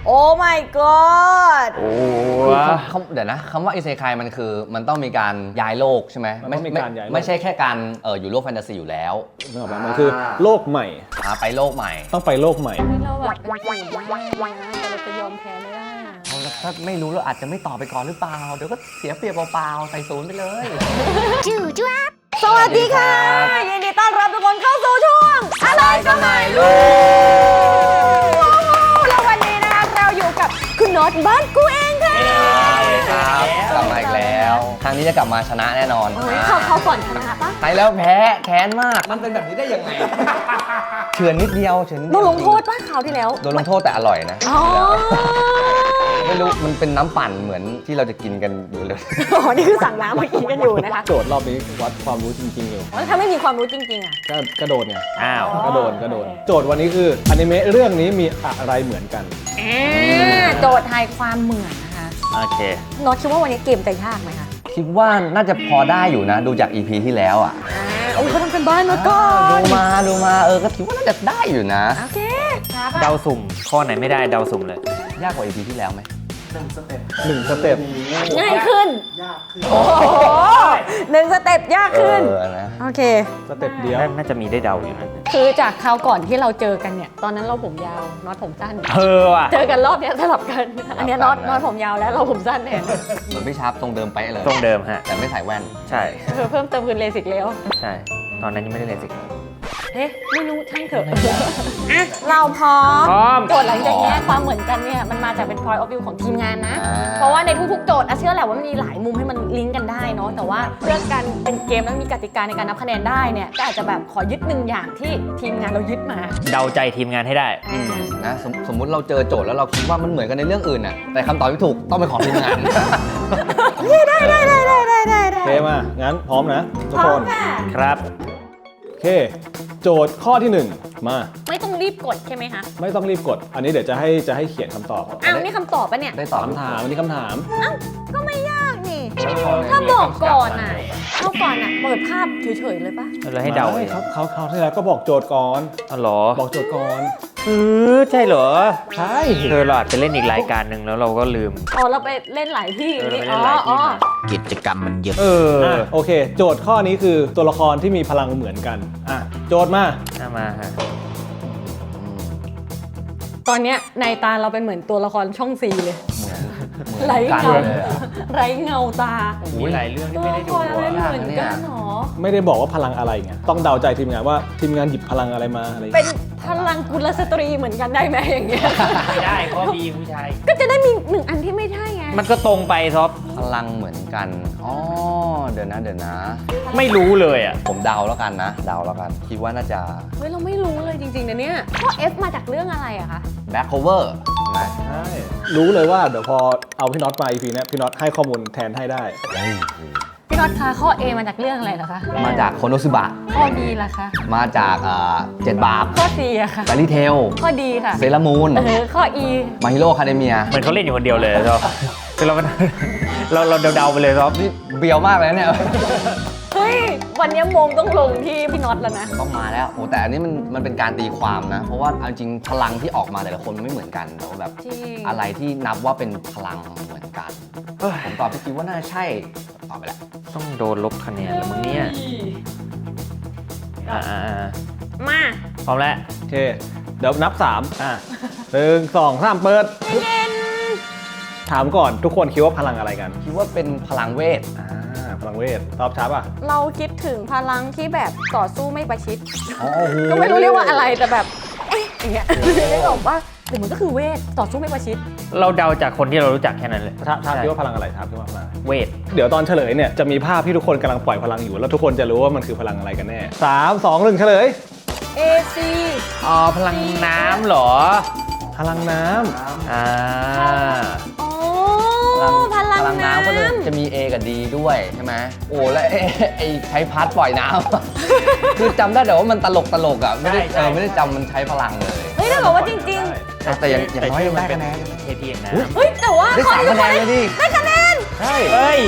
โอ้ my god โอ้เดี๋ยวนะคำว่าอิเซไคมันคือมันต้องมีการย้ายโลกใช่ไหมไม่ใช่แค่การอยู่โลกแฟนตาซีอยู่แล้วนึกออกไหมมันคือโลกใหม่ไปโลกใหม่ต้องไปโลกใหม่เราแบบเป็นสูตรมากนะแต่เราจะยอมแพ้ไม่ได้ถ้าไม่รู้เราอาจจะไม่ตอบไปก่อนหรือเปล่าเดี๋ยวก็เสียเปรียบเปล่าๆใส่ศูนย์ไปเลยสวัสดีค่ะยินดีต้อนรับทุกคนเข้าสู่ช่วงอะไรก็ไม่รู้แล้ววันนี้นะคะเราอยู่กับคุณน็อตบ้านกูเองค่ะครับกลับมาอีกแล้วครั้งนี้จะกลับมาชนะแน่นอนเขาก่อนชนะปะไปแล้วแพ้แค้นมากมันเป็นแบบนี้ได้ยังไงเฉือนนิดเดียวโดนลงโทษป่ะคราวที่แล้วโดนลงโทษแต่อร่อยนะไม่รู้มันเป็นน้ำปั่นเหมือนที่เราจะกินกันอยู่เลยนี่คือสั่งน้ำมากินกันอยู่นะคะโจทย์รอบนี้วัดความรู้จริงๆอยู่ถ้าไม่มีความรู้จริงๆอ่ะก็โดนไงกระโดดโจทย์วันนี้คืออนิเมะเรื่องนี้มีอะไรเหมือนกันโจทย์ทายความเหมือนนะคะโอเคน็อตคิดว่าวันนี้เกมจะยากไหมคะคิดว่าน่าจะพอได้อยู่นะดูจาก EP ที่แล้วอ่ะเขาทำกันบ้านมาก่อนดูมาก็คิดว่าน่าจะได้อยู่นะโอเคเดาสุ่มข้อไหนไม่ได้เดาสุ่มเลยยากกว่า EP ที่แล้วไหม 1 สเต็ปง่ายขึ้นยากขึ้นโอ้โห1 สเต็ปยากขึ้นโอเคสเต็ปเดียวน่าจะมีได้เดาอยู่นะคือจากคราวก่อนที่เราเจอกันเนี่ยตอนนั้นเราผมยาวน็อตผมสั้นว่ะเจอกันรอบนี้สลับกันอันนี้น็อตผมยาวแล้วเราผมสั้นเนี่ยเหมือนพี่ชาร์ปตรงเดิมไปเลยตรงเดิมฮะแต่ไม่ใส่แว่นใช่เพิ่มเติมคือเลสิกแล้วใช่ตอนนั้นยังไม่ได้เลสิกไม่รู้ช่างเถอะเราพร้อมโจทย์หลังจากนี้ความเหมือนกันเนี่ยมันมาจากเป็น point of view ของทีมงานนะเพราะว่าในทุกๆโจทย์เชื่อแหละว่ามันมีหลายมุมให้มันลิงก์กันได้เนาะแต่ว่าเพื่อการเป็นเกมแล้วมีกติกาในการนับคะแนนได้เนี่ยก็อาจจะแบบขอยึด1 อย่างที่ทีมงานเรายึดมาเดาใจทีมงานให้ได้นะสมมุติเราเจอโจทย์แล้วเราคิดว่ามันเหมือนกันในเรื่องอื่นน่ะแต่คำตอบที่ถูกต้องเป็นของทีมงานได้โอเคมางั้นพร้อมนะทุกคนครับโอเคโจทย์ข้อที่1มาไม่ต้องรีบกดใช่ไหมคะไม่ต้องรีบกดอันนี้เดี๋ยวจะให้เขียนคำตอบนี่คำตอบปะเนี่ยได้ตอบคำถามอันนี้คำถามก็ไม่ยากนี่ถ้าบอกก่อนเปิดภาพเฉยๆเลยปะเราให้เดาเขาที่แล้วก็บอกโจทย์ก่อนหรอบอกโจทย์ก่อนใช่เหรอใช่เราอาจจะเล่นอีกรายการหนึ่งแล้วเราก็ลืมเราไปเล่นหลายที่กิจกรรมมันเยอะโอเคโจทย์ข้อนี้คือตัวละครที่มีพลังเหมือนกันโจทย์มาฮะตอนเนี้ยในตาเราเป็นเหมือนตัวละครช่องซีเลยไร้เงาตาหลายเรื่องที่ไม่ได้ดูเหมือนกันหรอไม่ได้บอกว่าพลังอะไรไงต้องเดาใจทีมงานว่าทีมงานหยิบพลังอะไรมาอะไรเป็นพลังกุลสตรีเหมือนกันได้ไหมอย่างเงี้ยไม่ได้เพราะมีผู้ชายก็จะได้มี1 อันที่ไม่ใช่ไงมันก็ตรงไปซอฟพลังเหมือนกันเดี๋ยวนะไม่รู้เลยอ่ะผมเดาแล้วกันคิดว่าน่าจะเราไม่รู้เลยจริงๆนะเนี่ยข้อ F มาจากเรื่องอะไรอะคะ Back Cover ใช่รู้เลยว่าเดี๋ยวพอเอาพี่น็อตมา EP นี้พี่น็อตให้ข้อมูลแทนให้ได้พี่น็อตคะข้อ A มาจากเรื่องอะไรเหรอคะมาจากโคโนซึบะข้อ B ล่ะคะมาจาก7 บาปข้อ C อะค่ะแฟรี่เทลข้อ D ค่ะเซเลอร์มูนข้อ E มาฮิโร่คาเดเมียเหมือนเขาเล่นอยู่คนเดียวเลยซอฟคือเราเดาไปเลยซอฟนี่เบียวมากเลยเนี่ยเฮ้ยวันนี้มงต้องลงที่พี่น็อตแล้วนะต้องมาแล้วแต่อันนี้มันเป็นการตีความนะเพราะว่าจริงพลังที่ออกมาแต่ละคนมันไม่เหมือนกันแต่ว่าแบบอะไรที่นับว่าเป็นพลังเหมือนกันผมตอบพี่คิดว่าน่าจะใช่ตอบไปแล้วต้องโดนลบคะแนนแล้วมึงเนี่ยมาพร้อมแล้วโอเคเดี๋ยวนับ3 1 2 3เปิดถามก่อนทุกคนคิดว่าพลังอะไรกันคิดว่าเป็นพลังเวทพลังเวทตอบช้าป่ะเราคิดถึงพลังที่แบบต่อสู้ไม่ประชิดก็ไม่รู้เรียกว่าอะไรแต่แบบอย่างเงี้ยไม่บอกว่าหรือมันก็คือเวทต่อสู้ไม่ประชิดเราเดาจากคนที่เรารู้จักแค่นั้นเลยถามคิดว่าพลังอะไรถามคิดว่าพลังเวทเดี๋ยวตอนเฉลยเนี่ยจะมีภาพที่ทุกคนกำลังปล่อยพลังอยู่แล้วทุกคนจะรู้ว่ามันคือพลังอะไรกันแน่3 2 1เฉลย AC พลังน้ำเหรอพลังน้ำพลังน้ำก็จะมี A กับ D ด้วยใช่ไหมแล้วไอ้ใช้พัดปล่อยน้ำคือจำได้แต่ว่ามันตลกอ่ะไม่ได้จำมันใช้พลังเลยถ้าบอกว่าจริงๆแต่อย่างน้อยมันได้คะแนนเพียงนะแต่ว่าได้3 คะแนนเลยดิได้คะแนนใช่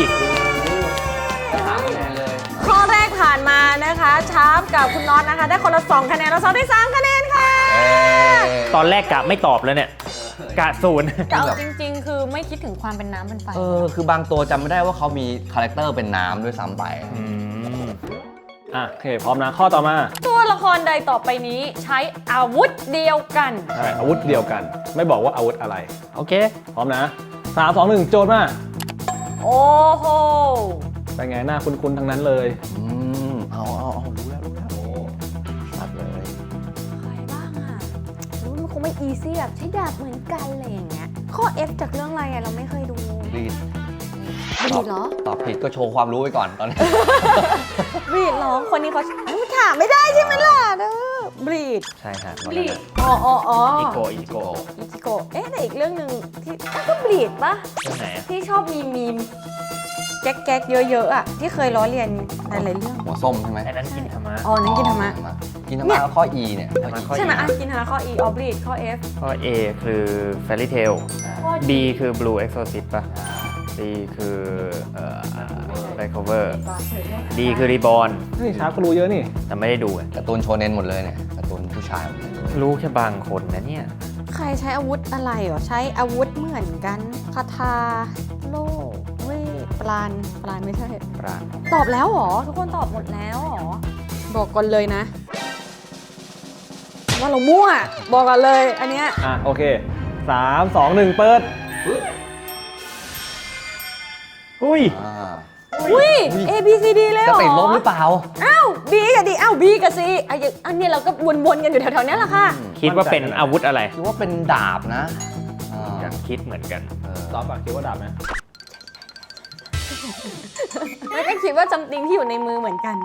3 คะแนนเลยข้อแรกผ่านมานะคะชาร์ปกับคุณน็อตนะคะได้คนละ2 คะแนนแล้วซอฟได้3 คะแนนค่ะตอนแรกกะไม่ตอบแล้วเนี่ยกะศูนย์แต่เอาจริงๆ คือไม่คิดถึงความเป็นน้ำเป็นไฟคือบางตัวจำไม่ได้ว่าเขามีคาแรคเตอร์เป็นน้ำด้วยซ้ำไปโอเคพร้อมนะข้อต่อมาตัวละครใดต่อไปนี้ใช้อาวุธเดียวกันใช่อาวุธเดียวกัน ไม่บอกว่าอาวุธอะไรโอเคพร้อมนะ3 2 1โจทย์มาโอ้โหเป็นไงหน้าคุ้นๆทั้งนั้นเลยเอารู้แล้วชัดเลยใครบ้างอ่ะรู้มันคงไม่อีซี่แบบใช้ดาบเหมือนกันอะไรอย่างเงี้ย ข้อ F จากเรื่องอะไรอะเราไม่เคยดูรีดบรีดเหรอตอบผิดก็โชว์ความรู้ไว้ก่อนตอนนี้บรีดเหรอ คนนี้เขาถามไม่ได้ใช่ไหมล่ะเด้อบรีดใช่ครับบรีดอ๋ออีโกอิจิโกะเอ๊ะแต่อีกเรื่องหนึ่งที่ก็บรีดปะเรื่องไหนอะที่ชอบมีมแก๊กๆเยอะๆอ่ะที่เคยล้อเลียนหลายๆเรื่องหัวส้มใช่ไหมไอ้นั้นกินธรรมะอ๋อนั่นกินธรรมะกินธรรมะแล้วข้อ E เนี่ยข้อ E ใช่ไหมอ่ะกินหาข้อ E ออบรีดข้อ F ข้อ A คือ Fairy Tail ข้อ B คือ Blue Exorcist ป่ะ C คือRecover D คือ Reborn นี่ช้าก็รู้เยอะนี่แต่ไม่ได้ดูอะการ์ตูนโชเนนหมดเลยเนี่ยการ์ตูนผู้ชายหมดเลยรู้แค่บางคนนะเนี่ยใครใช้อาวุธอะไรเหรอ ใช้อาวุธเหมือนกันคาถาโล่เว้ยปราณไม่ใช่ปราณตอบแล้วเหรอ ทุกคนตอบหมดแล้วเหรอ บอกก่อนเลยนะ ว่าเรามั่ว บอกกันเลย อันเนี้ยโอเค3 2 1เปิดอุ้ยอุ้ย A B C D เลยเหรจะอติดลบหรือเปล่าอ้าว B กับ D อ้าว B กับ C อันนี้เราก็วนๆกันอยู่แถวๆเนี้ยแหละค่ะคิดว่าเป็นอาวุธอะไรคิดว่าเป็นดาบนะอยากคิดเหมือนกันตอบก่อนคิดว่าดาบไหมแล้วก็คิดว่าจำติงที่อยู่ในมือเหมือนกัน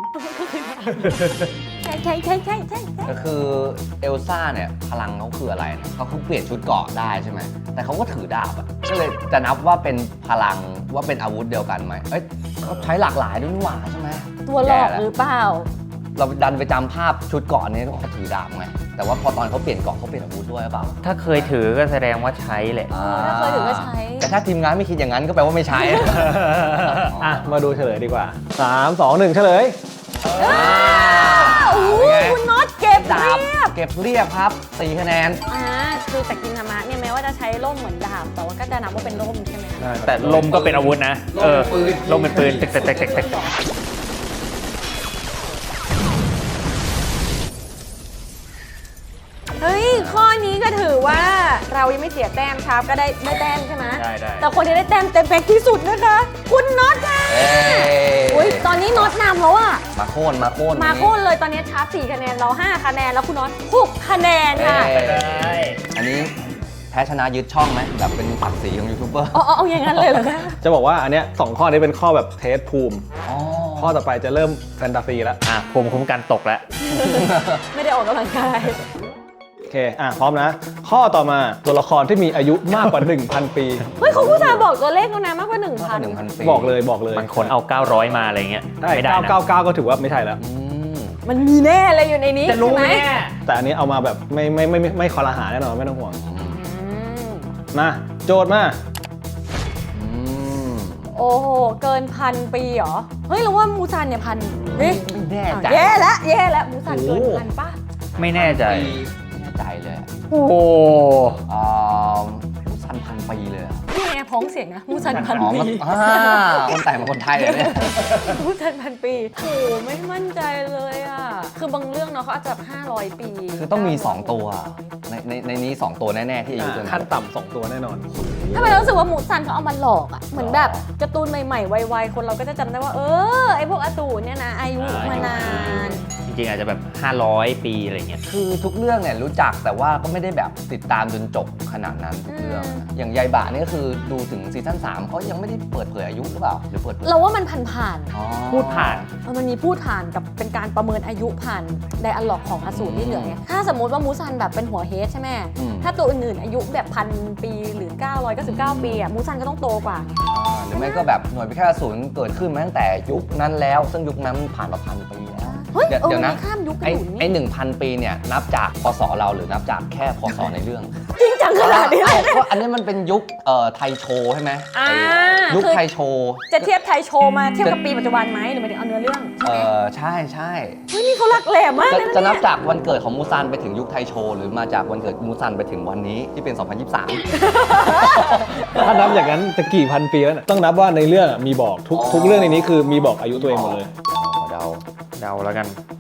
ใช่ก็คือเอลซ่าเนี่ยพลังเขาคืออะไรเนี่ยเขาเปลี่ยนชุดเกราะได้ใช่ไหมแต่เขาก็ถือดาบอะก็เลยจะนับว่าเป็นพลังว่าเป็นอาวุธเดียวกันไหมเอ้ยเขาใช้หลากหลายด้วยนี่หว่าใช่ไหมตัวหลอกหรือเปล่าเราดันไปจำภาพชุดเกราะนี้เขาถือดาบไงแต่ว่าพอตอนเขาเปลี่ยนเกราะเขาเปลี่ยนอาวุธด้วยหรือเปล่าถ้าเคยถือก็แสดงว่าใช้แหละถ้าเคยถือก็ใช้แต่ถ้าทีมงานไม่คิดอย่างนั้นก็แปลว่าไม่ใช้มาดูเฉลยดีกว่า3 2 1เฉลยโอ้โหเป็นไงคุณน็อตเก็บดาบเรียบเก็บเรียบครับ4คะแนนคือแต่กินธรรมะเนี่ยแม้ว่าจะใช้ร่มเหมือนดาบ แต่ว่าก็จะนับว่าเป็นร่มใช่ไหมคะแต่ลมก็เป็นอาวุธนะ ลมเป็นปืนตึกเฮ้ย ข้อนี้ก็ถือว่าเรายังไม่เสียแต้มครับก็ได้แต้มใช่ไหมได้แต่คนที่ได้แต้มเต็มแพ็คที่สุดนะคะ คุณน็อตค่ะอุ้ยตอนนี้น็อตนำแล้วอะมาโค่นมาโค่นเลยตอนนี้ชาร์จ4คะแนนเรา5คะแนนแล้วคุณน็อต6คะแนนค่ะอันนี้แพ้ชนะยึดช่องไหมแบบเป็นศักดิ์ศรีของยูทูบเบอร์เอาอย่างนั้นเลยเหรอคะจะบอกว่าอันเนี้ย2ข้อนี้เป็นข้อแบบเทสภูมิอ๋อข้อต่อไปจะเริ่มแฟนตาซีแล้วภูมิคุ้มกันตกแล้วไม่ได้ออกกำลังกายโอเคพร้อมนะ ข้อต่อมาตัวละครที่มีอายุมากกว่า 1,000 ปีเฮ้ยเขาผู้ชายบอกตัวเลขแล้วนะมากกว่า 1,000 1,000 ปีบอกเลยมันคนเอา 900 มาอะไรเงี้ยได้ไม่ได้นะ 999 ก็ถือว่าไม่ใช่แล้วมันมีแน่เลยอยู่ในนี้จะรู้ไหมใช่เนี่ยแต่อันนี้เอามาแบบไม่คอรหาแน่นอนไม่ต้องห่วง มาโจทย์มาโอ้โห เกิน1,000 ปีเหรอ เฮ้ยเราว่ามูซันเนี่ย1,000เฮ้ยไม่แน่ใจแย่แล้วมูซันเกิน1,000ป่ะไม่แน่ใจไม่แน่ใจเลยอะโอ้โหสัน1,000 ปีเลยอะนี่ไงพ้องเสียงนะมูซันอ๋อ 1,000 ปีคนแต่งมาคนไทยเลยเนี่ยมูซัน1,000 ปีโอ้โหไม่มั่นใจเลยอ่ะ คือบางเรื่องเนาะเขาอาจจะแบบ500 ปีคือต้องมี 2 ตัว ในนี้ 2 ตัวแน่ ๆ ที่อายุเกินขั้นต่ำ2ตัวแน่นอนทำไมเรารู้สึกว่ามูซันเขาเอามาหลอกอ่ะ เหมือนแบบการ์ตูนใหม่ๆ ไวๆ คนเราก็จะจำได้ว่า ไอพวกอาตูเนี่ยนะ อายุมานานจริงๆอาจจะแบบ 500 ปีอะไรเงี้ยคือทุกเรื่องเนี่ยรู้จักแต่ว่าก็ไม่ได้แบบติดตามจนจบขนาดนั้นทุกเรื่องนะอย่างยายบะนี่ก็คือดูถึงซีซั่น3เขายังไม่ได้เปิดเผยอายุหรือเปล่าหรือเปิดเผยเราว่ามันผ่านอ๋อพูดผ่านมันมีพูดผ่านกับเป็นการประเมินอายุผ่านไดอะล็อกของอสูรที่เหลือไงถ้าสมมติว่ามูซันแบบเป็นหัวเฮดใช่ไหมถ้าตัวอื่นๆอายุแบบ1,000 ปีหรือ 999 ปีอ่ะมูซันก็ต้องโตกว่าไงหรือไม่ก็แบบหน่วยพิฆาตอสูรเกิดขึ้นมาตั้งแต่ยุคนั้นแล้ว ซึ่งยุคนั้นผ่านมา1,000 ปีแล้วเฮ้ยเดี๋ยวนะมีข้ามยุคกันไอ้อยู่ไอ้นี่ 1,000 ปีเนี่ยนับจากพศเราหรือนับจากแค่พศในเรื่องจริงจังขนาดนี้เลยเพราะอันนี้มันเป็นยุคไทยโชว์ใช่ไหมอ่ายุคคือไทยโชว์จะเทียบไทยโชว์มาเทียบกับปีปัจจุบันไหมหรือหมายถึงเอาเนื้อเรื่องใช่ไหมใช่ใช่เฮ้ยนี่เขาหลักแหลมมากเลยนะจะนับเนี่ยจากวันเกิดของมูซันไปถึงยุคไทยโชว์หรือมาจากวันเกิดมูซันไปถึงวันนี้ที่เป็น 2023 ถ้านับอย่างนั้นจะกี่พันปีแล้วนะต้องนับว่าในเรื่องมีบอกทุกเรื่องในนี้คือมีบอกอายุตัวเองหมดเลยเดาเดาแล้วกัน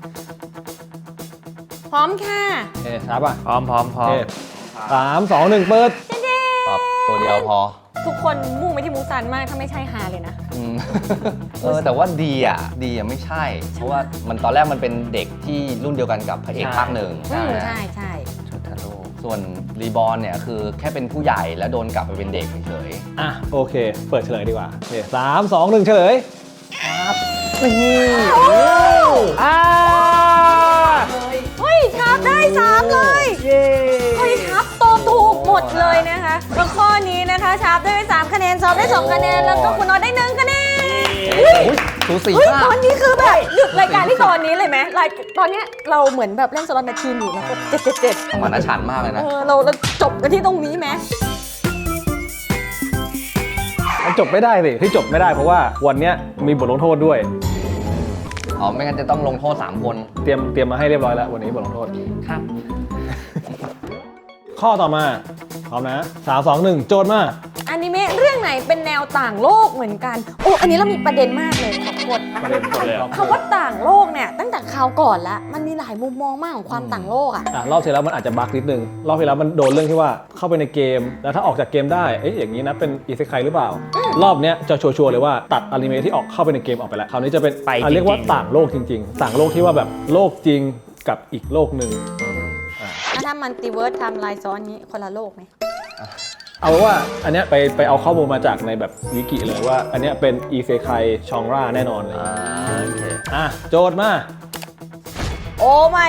พร้อมค่ะเอ๊ะครับอ่ะพร้อมเอ๊ะ3 2 1 เปิดตอบตัวเดียวพอทุกคนมุ่งไปที่มูซันมากถ้าไม่ใช่ฮาเลยนะอืม แต่ว่าดีอ่ะไม่ใช่ เพราะว่ามันตอนแรกมันเป็นเด็กที่รุ่นเดียวกันกับพระเอกภาคหนึ่งอืมไหมใช่ใช่ชุดทาโร่ส่วนรีบอร์นเนี่ยคือแค่เป็นผู้ใหญ่แล้วโดนกลับไปเป็นเด็กเฉยอ่ะโอเค เปิดเฉลยดีกว่าโอเค3 2 1 เฉลยอ่าเฮ้ยชับได้3เลยเฮ้ยชับตอบถูกหมดเลยนะคะแล้วข้อนี้นะคะชับได้3คะแนนซอฟได้2คะแนนแล้วก็คุณน็อตได้1คะแนนสูสีเฮ้ยมากตอนนี้คือแบบหยุดรายการที่ตอนนี้เลยไหมตอนเนี้ยเราเหมือนแบบเล่นสล็อตแมชชีนอยู่นะก็777 มันน่าชันมากเลยนะเราจบกันที่ตรงนี้ไหมมันจบไม่ได้สิที่จบไม่ได้เพราะว่าวันเนี้ยมีบทลงโทษด้วยอ๋อ ไม่งั้นจะต้องลงโทษ 3 คนเตรียมมาให้เรียบร้อยแล้ววันนี้บทลงโทษครับข้อต่อมาพร้อมนะ3 2 1 โจทย์มาอนิเมะเรื่องไหนเป็นแนวต่างโลกเหมือนกันโอ้อันนี้เรามีประเด็นมากเลยขอบคุณประเด็นก่อนเลยคำว่าต่างโลกเนี่ยตั้งแต่คราวก่อนแล้วมันมีหลายมุมมองมากของความต่างโลกอ่ะรอบที่แล้วมันอาจจะบั๊กนิดนึงรอบที่แล้วมันโดนเรื่องที่ว่าเข้าไปในเกม แล้วถ้าออกจากเกมได้อย่างนี้นะเป็นอิเซไคหรือเปล่า รอบเนี้ยจะชัวร์ๆเลยว่าตัดอนิเมะที่ออกเข้าไปในเกมออกไปแล้วคราวนี้จะเป็นไปจริงๆเรียกว่าต่างโลกจริง ๆ ต่างโลกที่ว่าแบบโลกจริงกับอีกโลกหนึ่งแล้วถ้ามันติเวิร์สไทม์ไลน์ซ้อนนี้คนละโลกไหมเอาว่าอันเนี้ยไปเอาข้อมูลมาจากในแบบวิกิเลยว่าอันเนี้ยเป็นอิเซไคชองราแน่นอนเลยโอเคโจทย์มาโอ้ my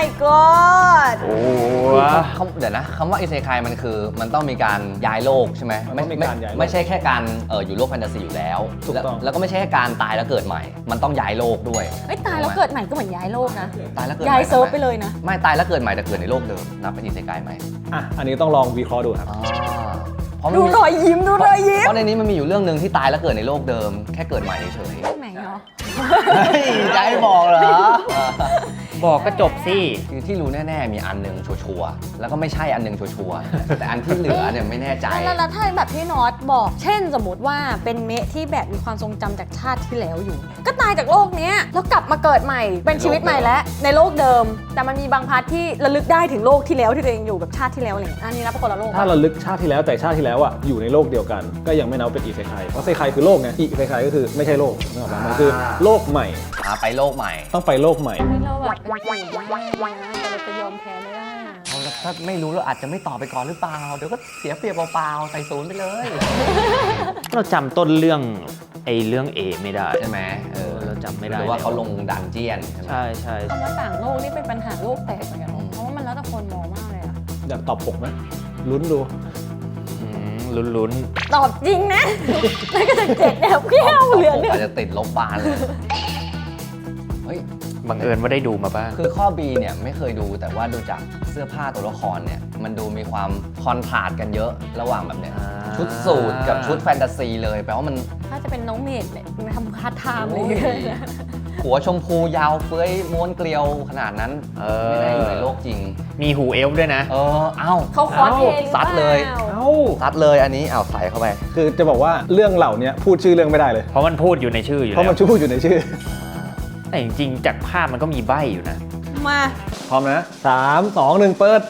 god โอ้เดี๋ยวนะคำว่าอิเซคายมันคือมันต้องมีการย้ายโลกใช่ไหมมันต้องมีการย้ายโลกไม่ใช่แค่การอยู่โลกแฟนตาซีอยู่แล้วถูกต้องแล้วก็ไม่ใช่แค่การตายแล้วเกิดใหม่ มันต้องย้ายโลกด้วยเอ้ยตายแล้วเกิดใหม่ก็เหมือนย้ายโลกนะตายแล้วเกิดใหม่ย้ายเซิร์ฟทำมไปเลยนะไม่ตายแล้วเกิดใหม่แต่เกิดในโลกเดิมนับเป็นอิเซคายไหมอันนี้ต้องลองวิเคราะห์ดูครับอ๋อเพราะมันดูมีรอยยิ้มดูรอยยิ้มเพราะในนี้มันมีอยู่เรื่องหนึ่งที่ตายแล้วเกิดในโลกเดิม แค่เกิดใหม่เฉยไหนเนาะๆเฮ้ยจะให้บอกเหรอบอกก็จบสิคือที่รู้แน่ๆมีอันหนึ่งชัวร์ๆแล้วก็ไม่ใช่อันหนึ่งชัวร์ๆแต่อันที่เหลือเนี่ยไม่แน่ใจแล้วถ้าแบบที่น็อตบอก เช่นสมมติว่าเป็นเมะที่แบบมีความทรงจำจากชาติที่แล้วอยู่ ก็ตายจากโลกเนี้ยแล้วกลับมาเกิดใหม่เป็นชีวิตใหม่แล้วในโลกเดิม แต่มันมีบางพาร์ทที่ระลึกได้ถึงโลกที่แล้วที่ตัวเองอยู่แบบชาติที่แล้วอะไรอย่างเงี้ยอันนี้นับเป็นคนละโลกถ้าเราลึกชาติที่แล้วแต่ชาติที่แล้วอยู่ในโลกเดียวกัน ก็ยังไม่นับเป็นอิเซไคเพราะเซไคคือโลกไงอิเซไคก็คือไม่ใช่โลกนึกออกไหมมันคือโลกใหม่ไปโลกใหม่ต้องไปโลกใหม่นี่เราแบบเป็นสูตรมากเลยนะแต่เราจะยอมแพ้ไม่ได้นะเอาละถ้าไม่รู้เราอาจจะไม่ตอบไปก่อนหรือเปล่า เดี๋ยวก็เสียเปรียบเปล่าๆใส่ศูนย์ไปเลยเราจำต้นเรื่องเรื่อง A ไม่ได้ใช่ไหมเราจำไม่ได้หรือว่าเขาลงดันเจียนใช่ไหมใช่คำว่าต่างโลกนี่เป็นปัญหาโลกแตกเหมือนกันเนอะเพราะว่ามันแล้วแต่คนมองมากเลยอะอยากตอบ6ไหมลุ้นดูลุ้นตอบจริงนะ แล้วก็จะเจ็ดแนวเขี้ยวเหลือหนึ่งอาจจะติดลบบานเลย เฮ้ยๆบังเอิญว่าได้ดูมาบ้างคือข้อ B เนี่ยไม่เคยดูแต่ว่าดูจากเสื้อผ้าตัวละครเนี่ยมันดูมีความคอนทราสต์กันเยอะระหว่างแบบเนี้ยอ่าชุดสูทกับชุดแฟนตาซีเลยแปลว่ามันถ้าจะเป็นน้องเมดเนี่ยมันทำพาร์ทไทม์เลยหัวชมพูยาวเฟ้ยม้วนเกลียวขนาดนั้นไม่ได้อยู่ในโลกจริงมีหูเอลฟ์ด้วยนะเอ้าเขาคอสเพลย์หรือเปซัดเลยล่าเอ้าซัดเลยอันนี้เอาใส่เข้าไปคือจะบอกว่าเรื่องเหล่านี้พูดชื่อเรื่องไม่ได้เลยเพราะมันพูดอยู่ในชื่ออยู่เพราะแล้มันวพูดอยู่ในชื่อแต่จริงๆจากภาพมันก็มีใบ้อยู่นะมาพร้อมนะ3 2 1 เปิด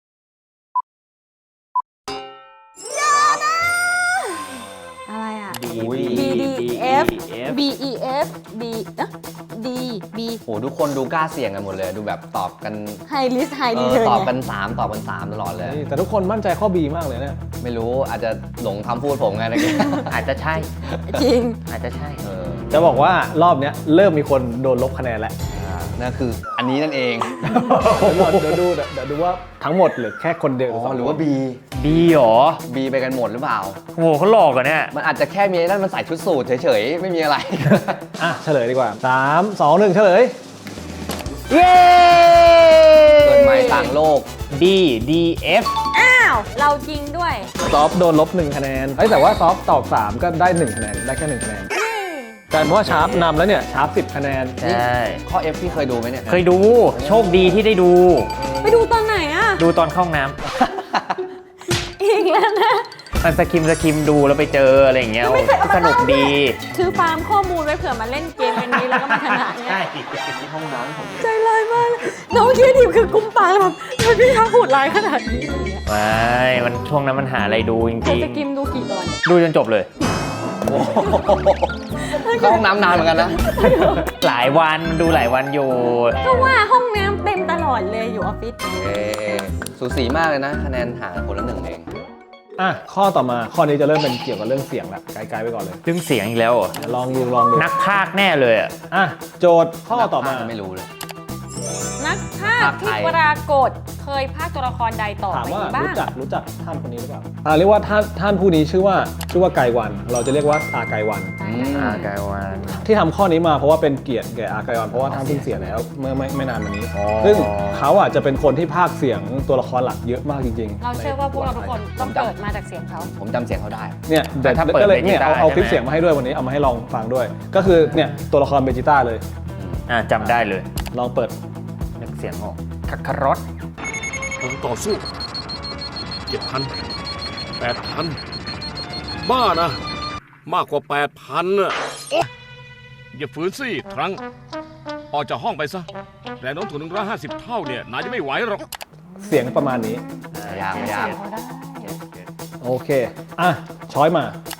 อะไรอ่ะอุ้ย B D F B E F B D B โหทุกคนดูกล้าเสี่ยงกันหมดเลย ดูแบบตอบกัน High Risk High Return ตอบไงกัน3ตอบกัน3ตลอดเลยแต่ทุกคนมั่นใจข้อ B มากเลยเนี่ยไม่รู้อาจจะหลงคำพูดผมไงตะกี้อาจจะใช่จริงอาจจะใช่จะบอกว่ารอบเนี้ยเริ่มมีคนโดนลบคะแนนแล้วนั่นคืออันนี้นั่นเองเดี๋ยวดูว่าทั้งหมดหรือแค่คนเดียวอ๋อหรือว่า B B หรอ B ไปกันหมดหรือเปล่าโหเขาหลอกกันเนี่ยมันอาจจะแค่มีนั่นมันใส่ชุดสูทเฉยๆ ไม่มีอะไรเฉลยดีกว่า3 2 1 เฉลยเย้เกิดใหม่ต่างโลก D D F อ้าว เราจริงด้วยซอฟโดนลบ1คะแนนแต่ว่าซอฟตอบ3ก็ได้1คะแนนได้แค่1คะแนนกลายเป็นว่าชาร์ปนำแล้วเนี่ยชาร์ป10คะแนนใช่ข้อ F พี่เคยดูไหมเนี่ยเคยดูโชคดีที่ได้ดูไปดูตอนไหนอะดูตอนเข้าห้องน้อีกแล้วนะำมันสคิมดูแล้วไปเจออะไรอย่างเงี้ยสนุกดีคือฟาร์มข้อมูลไว้เผื่อมาเล่นเกมเป็นนี้แล้วก็มาชนะเนี่ยใช่ห้องน้ำผมใจร้ายมากเลยน้องคิดทีมคือกุมปากแบบทำไมพี่ทักโหดร้ายขนาดนี้อะไรเงี้ยไม่มันช่วงนั้นมันหาอะไรดูจใครริงจะกิมดูกี่ตอนๆ ดูจนจบเลยเข้าห้องน้ำนานเหมือนกันนะหลายวันดูหลายวันอยู่ก็ว่าห้องน้ำเต็มตลอดเลยอยู่ออฟฟิศสูสีมากเลยนะคะแนนห่างคนละ1เองอ่ะข้อต่อมาข้อนี้จะเริ่มเป็นเกี่ยวกับเรื่องเสียงละไกลๆไปก่อนเลยเรื่องเสียงอีกแล้วเหรอเดี๋ยวลองดูนักพากย์แน่เลยอ่ะอ่ะโจทย์ข้อต่อมาไม่รู้เลยนักพากย์ที่ปรากฏเคยพากย์ตัวละครใดต่อถามไปว่าบ้างรู้จักท่านคนนี้หรือเปล่าเรียกว่าท่านผู้นี้ชื่อว่าไกรวัน เราจะเรียกว่าอาไกรวันกายวันที่ทำข้อนี้มาเพราะว่าเป็นเกียรติแก่อาไกรวันเพราะว่าท่านเพิ่งเสียแล้วเมื่อไม่นานมานี้ ซึ่งเขาอ่ะจะเป็นคนที่พากย์เสียงตัวละครหลักเยอะมากจริงๆเราเชื่อว่าพวกเราทุกคนต้องเกิดมาจากเสียงเขาผมจำเสียงเขาได้เนี่ยแต่ถ้าเปิดก็เลยเบจิเนี่ยต้าเอาคลิปใช่ไหมเสียงมาให้ด้วยวันนี้เอามาให้ลองฟังด้วย ก็คือเนี่ยตัวละครเบจิต้าเลยจำได้เลยลองเปิดนึกเสียงออกคักคารอสผมต่อสู้ 7,000 8,000 บ้านะ มากกว่า 8,000น่ะโอ๊ยอย่าฝืนสิครั้ง ออกจากห้องไปซะแรงโน้มถ่วง150 เท่าเนี่ยนายจะไม่ไหวหรอกเสียงประมาณนี้ยางเสียงเขาได้โอเคอ่ะช้อยมา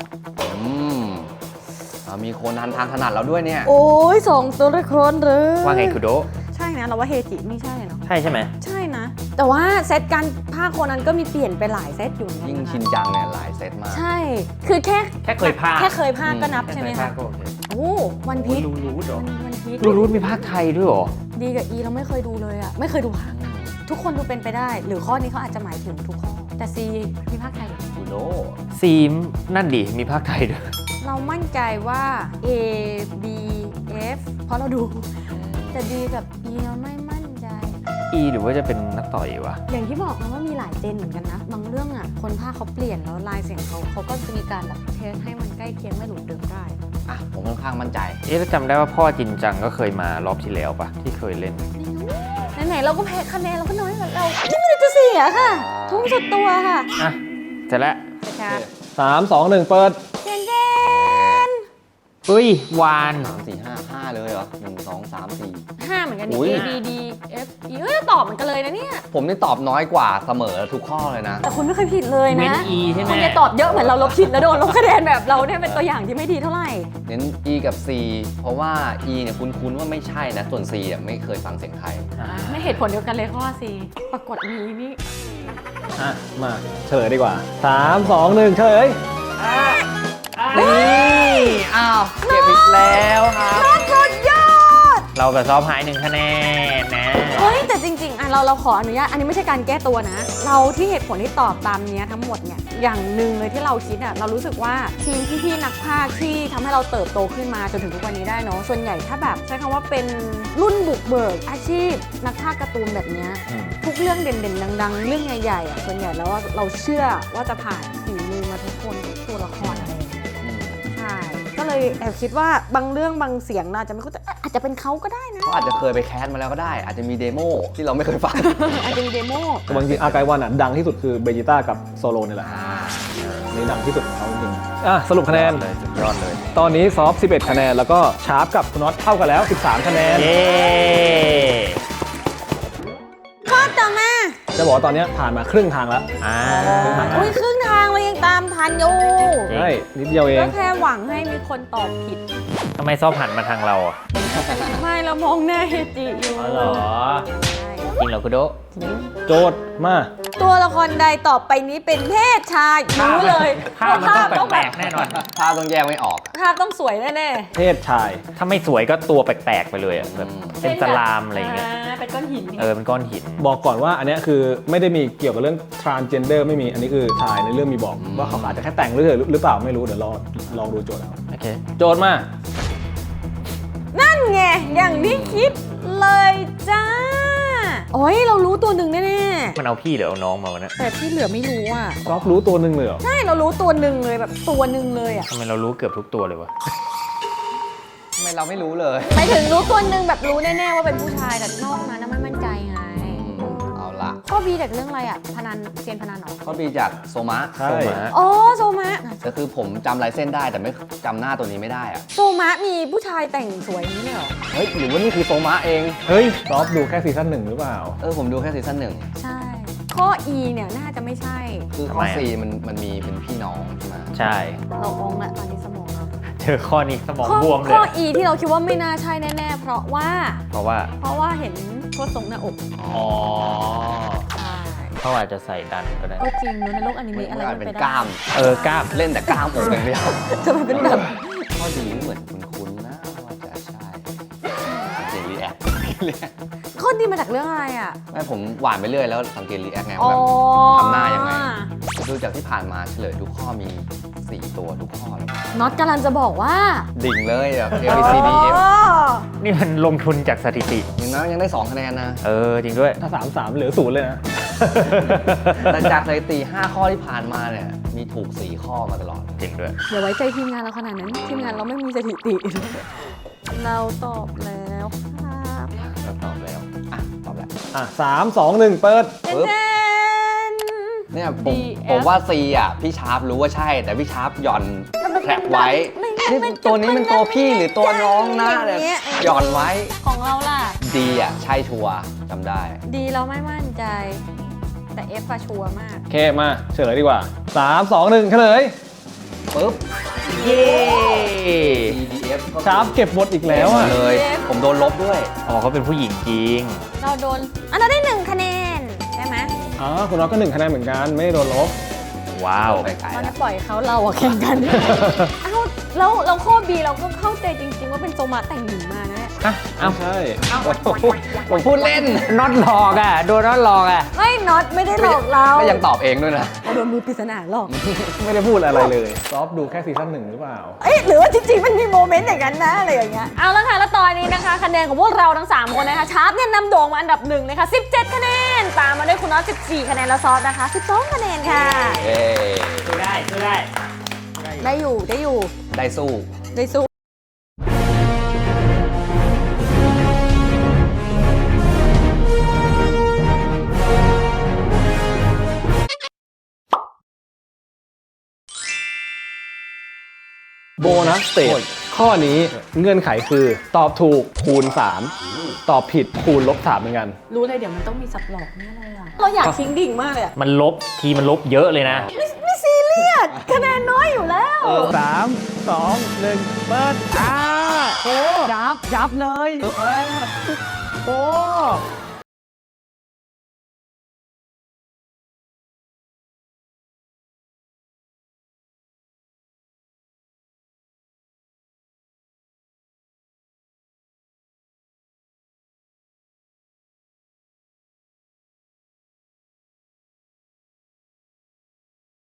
มีโคนันทางถนัดเราด้วยเนี่ยโอ้ยสองตัวละครเลยว่าไงคุโดะใช่นะเราว่าเฮจิไม่ใช่เนาะใช่ใช่ไหมใช่นะ แต่ว่าเซตการภาคคนนั้นก็มีเปลี่ยนไปหลายเซตอยู่เหมือนกันยิ่งนะคะชินจังเนี่ยหลายเซตมากใช่ คือแค่แค่เคยพากย์แค่เคยภาคก็นับใช่ไหมแค่คะเคยพากย์ก็โอเคโอ้วันพีชรู้เหรอวันพีชรู้มีภาคไทยด้วยเหรอดีกับอีเราไม่เคยดูเลยอะไม่เคยดูภาคทุกคนดูเป็นไปได้ หรือข้อนี้เขาอาจจะหมายถึงทุกข้อ แต่ซีมีภาคไทยเหรอดูโดซีมนั่นดิมีภาคไทยด้วยเรามั่นใจว่า A B F เพราะเราดู แต่ D กับ E เราไม่มั่นใจอีหรือว่าจะเป็นนักต่อยวะอย่างที่บอกนะว่ามีหลายเจนเหมือนกันนะ บางเรื่องอ่ะ คนภาคเขาเปลี่ยนแล้วลายเสียงเขาก็จะมีการแบบเทสให้มันใกล้เคียงไม่หลุดเดิมได้ผมค่อนข้างมั่นใจแล้วจำได้ว่าพ่อจินจังก็เคยมารอบที่แล้วปะที่เคยเล่นไหนๆเราก็แพ้คะแนนเราก็น้อยกว่าเราไม่ได้จะเสียค่ะ ทุ่มสุดตัวค่ะอ่ะเสร็จแล้วครับ 3 2 1 เปิดเจนเฮ้ยวาน 3 4 5 5 เลยเหรอ 1 2 3 4 5เหมือนกันอุ๊นี่ย A B D F E เอ้ยตอบเหมือนกันเลยนะเนี่ยผมนี่ตอบน้อยกว่าเสมอทุกข้อเลยนะแต่คุณไม่เคยผิดเลยเว้นนะ E ใช่ไหมคุณจะตอบเยอะเหมือนเราลบผิดแล้วโดนลบคะแนนแบบเราเนี่ยเป็นตัวอย่างที่ไม่ดีเท่าไหร่เน้น E กับ C เพราะว่า E เนี่ยคุ้นๆว่าไม่ใช่นะ ส่วน C เนี่ยไม่เคยฟังเสียงไทยไม่เหตุผลเดียวกันเลยข้อ C ปรากฏมีนี่อ่ะ มาเฉลยดีกว่า 3 2 1 เฉลยนี่อ้าวเก็บอีกแล้วครับสุดยอดเรากับซอฟหาย1คะแนนนะเฮ้ยแต่จริงๆเราขออนุญาตอันนี้ไม่ใช่การแก้ตัวนะ เราที่เหตุผลที่ตอบตามเนี้ยทั้งหมดเนี่ยอย่างหนึ่งเลยที่เราคิดอ่ะเรารู้สึกว่าทีมพี่ๆนักพากย์ที่ทำให้เราเติบโตขึ้นมาจนถึงทุกวันนี้ได้เนาะส่วนใหญ่ถ้าแบบใช้คำว่าเป็นรุ่นบุกเบิกอาชีพนักพากย์การ์ตูนแบบเนี้ย ทุกเรื่องเด่นๆ ดังๆ เรื่องใหญ่ๆอ่ะส่วนใหญ่แล้วว่าเราเชื่อว่าจะผ่านฝีมือมาทุกคนทุกตัวละครอะไรอย่างเงี้ยใช่ก็เลยแอบคิดว่าบางเรื่องบางเสียงเราอาจจะไม่เข้าใจอาจจะเป็นเขาก็ได้นะเขาอาจจะเคยไปแคสมาแล้วก็ได้ อาจจะมีเดโมที่เราไม่เคยฟังอาจจะมีเดโมแต่บางทีอาไกรวันอ่ะดังที่สุดคือเบจิต้ากับโซโลนี่แหละนี่ดังที่สุดของเขาจริงๆสรุปคะแนนเลยสุดยอดเลยตอนนี้ซอฟ11 คะแนน แล้วก็ชาร์ปกับคุณน็อตเท่ากันแล้ว 13 คะแนนเย้ข้อต่อมาจะบอกว่าตอนนี้ผ่านมาครึ่งทางแล้วอุ้ยครึ่งทางเรายังตามทันอยู่ใช่นิดเดียวเอก็งแค่หวังให้มีคนตอบผิดทำไมซอฟหันมาทางเราอ่ะไม่เรามองหน้าเฮจิอยู่อ๋อเหรอใช่จริงเหรอคุโดะโจทย์มาตัวละครใดต่อไปนี้เป็นเพศชายรู้เลยภาพมันต้องแปลกๆแน่นอนภาพต้องแยกไม่ออกภาพต้องสวยแน่เพศชายถ้าไม่สวยก็ตัวแปลกๆไปเลยอ่ะแบบๆเป็นสลามอะไรอย่างเงี้ยเป็นก้อนหินเป็นก้อนหินบอกก่อนว่าอันเนี้ยคือไม่ได้มีเกี่ยวกับเรื่อง transgender ไม่มีอันนี้คือชายในเรื่องมีบอกว่าเขาอาจจะแค่แต่งหรือเปล่าไม่รู้เดี๋ยวลองดูโจทย์เอาโอเคโจทย์มานั่นไงอย่างที่คิดเลยจ้า โอ้ยเรารู้ตัวหนึ่งแน่มันเอาพี่หรือเอาน้องมาวะเนี่ยๆแต่ที่เหลือไม่รู้อ่ะซอฟรู้ตัวหนึ่งเลยเหรอใช่เรารู้ตัวหนึ่งเลยแบบตัวหนึ่งเลยอ่ะทำไมเรารู้เกือบทุกตัวเลยวะทำไมเราไม่รู้เลยไปถึงรู้ตัวหนึ่งแบบรู้แน่ๆว่าเป็นผู้ชายแต่นอกนั้นน่ะไม่มั่นใจไงเอาละข้อบีจากเรื่องอะไรอ่ะพนันเซียนพนันเหรอข้อบีจากโซมะใช่โซมะอ๋อโซมะก็คือผมจำลายเส้นได้แต่ไม่จำหน้าตัวนี้ไม่ได้อะโซมะมีผู้ชายแต่งสวยอย่างนี้เลยเหรอเฮ้ยหรือว่านี่คือโซมะเองเฮ้ยซอฟดูแค่ซีซั่น1หรือเปล่าผมดูแค่ซีซั่น 1 ใช่ ข้อ E เนี่ยน่าจะไม่ใช่คือข้อ C มันมีเป็นพี่น้องใช่ไหมใช่เราองละตอนนี้สมองเราเจอข้อนี้สมองบวมเลข้อย E ที่เราคิดว่าไม่น่าใช่แน่ๆ เพราะว่าเพราะว่าเห็นโคตรทรงหน้าอกอ๋อใช่เขาอาจจะใส่ดันก็ได้ก็จริงเนอะในโลกอนิมัเมะอะไรนอาจมันเป็นไปได้กล้ามกล้ามเล่นแต่กล้ามอกอย่างเดียวจะมาเป็นแบบข้อดีเหมือนคุ้นๆนะว่าจะใช่เจรีแอคข้อดีมาจากเรื่องอะไรอ่ะไม่ผมหวานไปเรื่อยแล้วสังเกตรีแอคไงอ๋อว่าแบบทำหน้ายังไง ดูจากที่ผ่านมาเฉลยทุกข้อมี 4 ตัวทุกข้อเลยน็อตกำลังจะบอกว่าดิ่งเลยแบบ A B C D F อ๋อนี่มันลงทุนจากสถิติอย่างนั้นยังได้ 2 คะแนนนะจริงด้วยถ้า3-3เหลือ0เลยนะแต่จากสถิติ 5 ข้อที่ผ่านมาเนี่ย มีถูก 4 ข้อมาตลอดจริงด้วยอย่าไว้ใจทีมงานเราขนาดนั้น ทีมงานเราไม่มีสถิติ เราตอบแล้วครับเราตอบแล้วตอบแล้วอ่ะ3-2-1 เปิดปึ๊บเจนเนี่ยผม DF ผมว่า C พี่ชาร์ปรู้ว่าใช่ แต่พี่ชาร์ปหย่อนแคปไว้ นี่ตัวนี้เป็นตัวพี่หรือตัวน้องนะเนี่ยหย่อนไว้ของเราล่ะ D ใช่ชัวร์จำได้ดีเราไม่มั่นใจ แต่ F อะชัวร์มากโอเคมาเฉลยดีกว่า 3-2-1 เฉลยปึ๊บเย้ D D F ก็ชาร์ปเก็บหมดอีกแล้วอ่ะเลย ผมโดนลบด้วยอ๋อเขาเป็นผู้หญิงจริงเราโดนอันเราได้1คะแนนใช่ไหมอ๋อคุณน้องก็1คะแนนเหมือนกัน ไม่ได้โดนลบว้าวไปไกลตอนแล้นี้วปล่อยเขาเราอะแข่งกัน เอ้าแล้วข้อ B เราก็เข้าใจจริง ๆ ว่าเป็นโซมาแต่งหญิงมานะเนี่ยอ้าวใช่ผมพูดเล่นน็อตหลอกอ่ะ โดนน็อตหลอกอ่ะไม่น็อตไม่ได้หลอกเราก็ยังตอบเองด้วยนะเราโดนมือปริศนาหลอกไม่ได้พูดอะไรเลย ซอฟดูแค่ซีซั่น1หรือเปล่าเอ้ยหรือว่าจริงๆมันมีโมเมนต์อย่างนั้นนะอะไรอย่างเงี้ยเอาละค่ะแล้วตอนนี้นะคะคะแนนของพวกเราทั้ง 3 คนนะคะชาร์ปเนี่ยนำโด่งมาอันดับ1นะคะ17 คะแนน ตามมาด้วยคุณน็อต14 คะแนนแล้วซอสนะคะ12 คะแนนค่ะเย้ได้อยู่ได้สู้ได้สู้โบนัสสเตจข้อนี้เงื่อนไขคือตอบถูกคูณ 3 ตอบผิดคูณ3เหมือนกันรู้เลยเดี๋ยวมันต้องมีสับหลอกแน่เลยอะเราอยากทิ้งดิ่งมากเลยอะมันลบทีมันลบเยอะเลยนะไม่ซีเรียสคะแนนน้อยอยู่แล้ว 3 2 1 เปิดโอ้ยับเลยโอ้